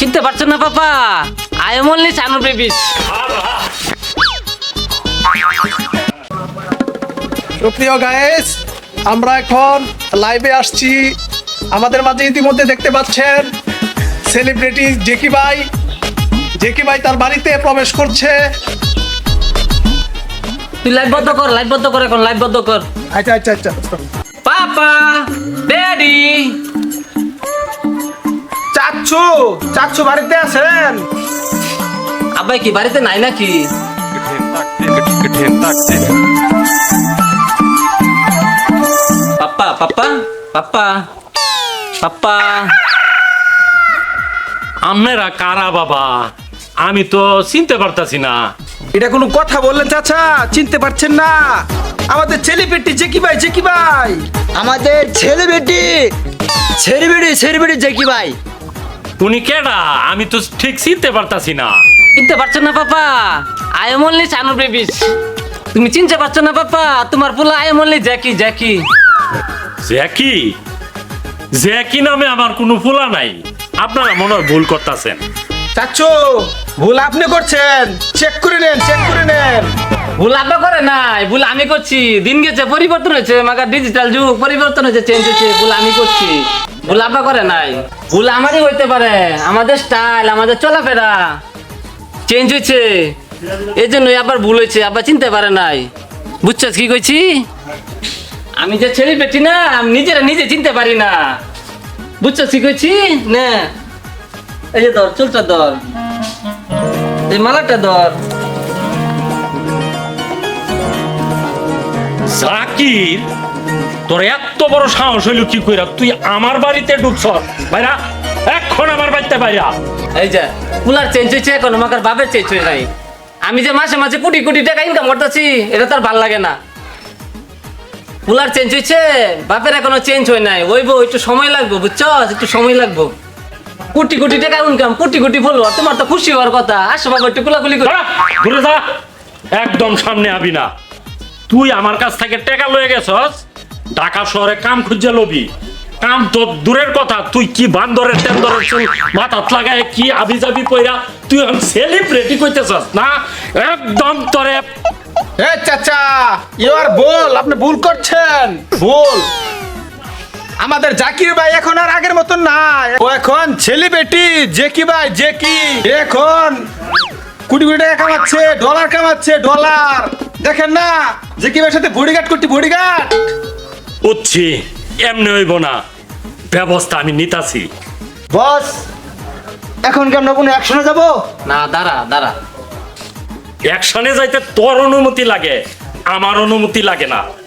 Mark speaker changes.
Speaker 1: চিনতে পারছো না papa? I am only Chanu babies.
Speaker 2: সুপ্রিয় গাইস, আমরা এখন লাইভে আসছি। আমাদের মাঝে ইতিমধ্যে দেখতে পাচ্ছেন সেলিব্রিটি জেকি ভাই তার বাড়িতে প্রবেশ করছে।
Speaker 1: তুই লাইভ বন্ধ কর এখন লাইভ বন্ধ কর।
Speaker 2: আচ্ছা।
Speaker 1: পাপা ড্যাডি
Speaker 3: চাচ্ছু বাড়িতে আছেন?
Speaker 1: আব্বাই কি বাড়িতে নাই নাকি? পাপা পাপা পাপা পাপা
Speaker 4: আপনারা কারা বাবা? আমি তো চিনতে পারতাছি না।
Speaker 3: এটা কোনো কথা বললেন চাচা? চিনতে পারছেন না? আমাদের ছেলেপেটি জেকি ভাই।
Speaker 5: আমাদের ছেলেবেটি জেকি ভাই।
Speaker 4: উনি কেডা? আমি তো ঠিক চিনতে পারতাছি না।
Speaker 1: চিনতে পারছো না papa? I am only Chanu babies. তুমি চিনতে পারছো না পাপা? তোমার পোলা I am only Jackie.
Speaker 4: Jackie নামে আমার কোনো ফুলা নাই। আপনারা মনে হয় ভুল করতেছেন।
Speaker 3: চাচ্ছু ভুল আপনি করছেন, চেক করে নেন।
Speaker 1: ভুল আব্বা করে নাই, ভুল আমি করছি। দিন গেছে, পরিবর্তন হয়েছে, মাগার ডিজিটাল যুগ পরিবর্তন হয়েছে, চেঞ্জ হয়েছে। ভুল আমি করছি, ভুল আব্বা করে নাই। ভুল আমারই হইতে পারে। আমাদের স্টাইল, আমাদের চলাফেরা চেঞ্জ হয়েছে, এই জন্যই আবার ভুল হয়েছে। আব্বা চিনতে পারে নাই। বুঝছস কি কইছি? আমি যে ছেলে পেটি না, আমি নিজে চিনতে পারি না। বুঝছস কি কইছি না? এই যে ধর, চুলটা ধর, এই মালাটা ধর।
Speaker 4: জাকির, তোর এত বড় সাহস হইল কি কইরা তুই আমার বাড়িতে ঢুকছ? ভাইরা এখন আমার বাড়িতে বাইরা।
Speaker 1: এই যে কুলার চেঞ্জ হয়েছে, এখন আমাকে বাপের চেঞ্জ হয়ে নাই। আমি যে মাসে কোটি টাকা ইনকাম করতেছি, এটা তার ভাল লাগে না। কুলার চেঞ্জ হয়েছে, বাপের এখনো চেঞ্জ হয় নাই। ওইবো, একটু সময় লাগবে, বুঝছো? একটু সময় লাগবে। কোটি টাকা ইনকাম, কোটি ফলোয়ার, তোমার তো খুশি হওয়ার কথা। আসো বাবা, একটু কুলাকুলি করো।
Speaker 4: ঘুরে যা, একদম সামনে আবি না। তুই আমার কাছ থেকে টাকা লয়ে গেছস, ঢাকা শহরে কাম খুঁজে লবি। কাম তো দূরের কথা, তুই কি বান্দরের টেন্দরের চুল মাথাত লাগায় কি আবি যাবি পয়রা তুই সেলিব্রিটি কইতেছস না? একদম তোরে
Speaker 3: চাচা আপনি ভুল করছেন। আমাদের জাকির ভাই এখন আর আগের মতন নাই। ও এখন ছেলেবেটি জেকি এখন কোটি টাকা কামাচ্ছে, ডলার কামাচ্ছে। দেখেন না জেকি ভাইয়ের সাথে বডিগার্ড করতে, বডিগার্ড।
Speaker 4: উঠছি, এমনি হইব না, ব্যবস্থা আমি নিতাছি।
Speaker 5: বস, এখন কি আমরা কোনো অ্যাকশনে যাব?
Speaker 1: না, দাঁড়া।
Speaker 4: অ্যাকশনে যাইতে তোর অনুমতি লাগে, আমার অনুমতি লাগে না।